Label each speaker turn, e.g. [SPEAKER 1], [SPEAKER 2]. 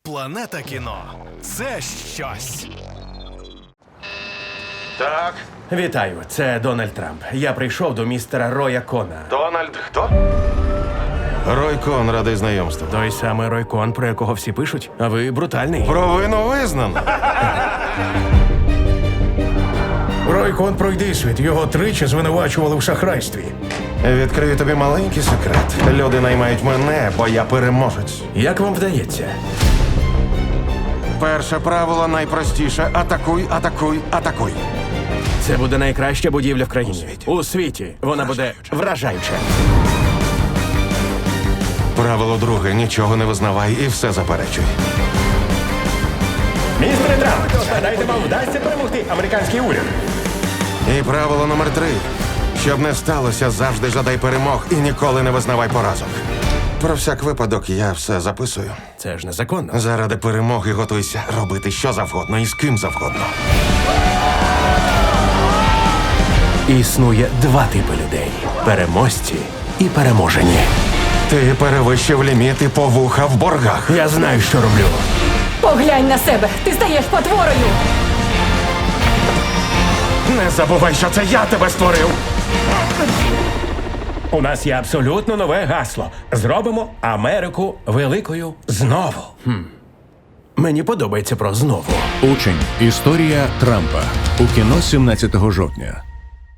[SPEAKER 1] Планета кіно – це щось.
[SPEAKER 2] Так,
[SPEAKER 3] Вітаю, це Дональд Трамп. Я прийшов до містера Роя Кона.
[SPEAKER 2] Дональд хто? Рой Кон, радий знайомству.
[SPEAKER 3] Той самий Рой Кон, про якого всі пишуть, а ви брутальний.
[SPEAKER 2] Провину визнано.
[SPEAKER 4] Рой Кон пройди світ. Його тричі звинувачували в шахрайстві.
[SPEAKER 2] Відкрию тобі маленький секрет. Люди наймають мене, бо я переможець.
[SPEAKER 3] Як вам вдається?
[SPEAKER 2] Перше правило найпростіше. Атакуй, атакуй, атакуй.
[SPEAKER 3] Це буде найкраща будівля в країні. У світі. Вона буде вражаюча.
[SPEAKER 2] Правило друге. Нічого не визнавай і все заперечуй.
[SPEAKER 3] Містере Трамп, гадаєте, вам вдасться перемогти американський уряд?
[SPEAKER 2] І правило номер 3. Щоб не сталося, завжди жадай перемог і ніколи не визнавай поразок. Про всяк випадок я все записую.
[SPEAKER 3] Це ж незаконно.
[SPEAKER 2] Заради перемоги готуйся робити що завгодно і з ким завгодно.
[SPEAKER 3] Існує два типи людей: переможці і переможені.
[SPEAKER 2] Ти перевищив ліміти по вуха в боргах.
[SPEAKER 3] Я знаю, що роблю.
[SPEAKER 5] Поглянь на себе, ти стаєш потворою.
[SPEAKER 2] Не забувай, що це я тебе створив.
[SPEAKER 3] У нас є абсолютно нове гасло. Зробимо Америку великою знову. Мені подобається про знову.
[SPEAKER 6] Учень. Історія Трампа. У кіно 17 жовтня.